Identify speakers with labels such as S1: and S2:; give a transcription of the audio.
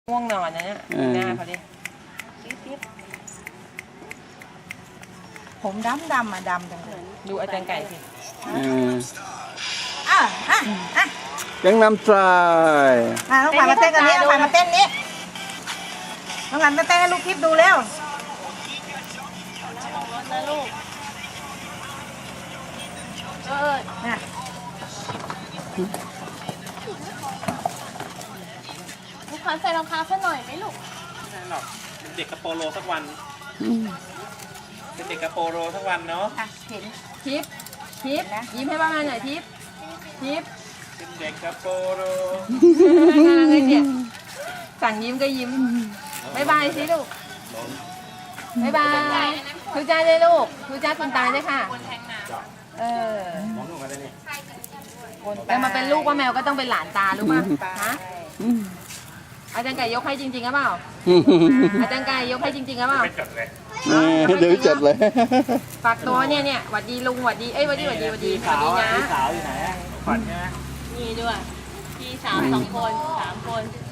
S1: ง่วงนอนนะเนี่ยหน้าเขาดิ
S2: ผมดำอ่ะดำจังเลย
S1: ดูอาจารย์ไก่สิ
S3: ยังนำใจ
S2: น้องขวัญมาเต้นกันนี้น้องขวัญมาเต้นนี้น้องขวัญมาเต้นให้ลูกคลิปดูเร็วน่ะ
S4: ลูกค้าใส่รองเท้าสักหน่อยไหมลูก
S5: ไม่ใช่หรอกเป็นเด็กกระโปโลสักวันเป็นเด็กกระโปโลสักวันเนาะ
S2: เห็น
S1: ทิปยิ้มให้บ้างหน่อยทิป
S5: เป็นเด็กกระโปโล
S1: น่ารักเลยเนี่ยสั่งยิ้มก็ยิ้มบายบายสิลูกบายบายทูจ้าเลยลูกทูจ้าคุณตาเลยค่ะแต่มาเป็นลูกว่าแมวก็ต้องเป็นหลานตารู้ป่ะฮะอาจารย์ไก่ยกให้จริงๆหรือเปล่าอาจารย์ไก่ยกให้จริงๆหรือเปล่า
S5: ไม่จดเลย
S3: เดี๋ยวจัดเลย
S1: ฝากตัวเนี่ยหวัดดีลุงหวัดดีหวัดดีนะ
S5: สาวอยู่ไหนขวัญใช่ไหม
S4: มีด้วย พี่สาว2 คน 3 คน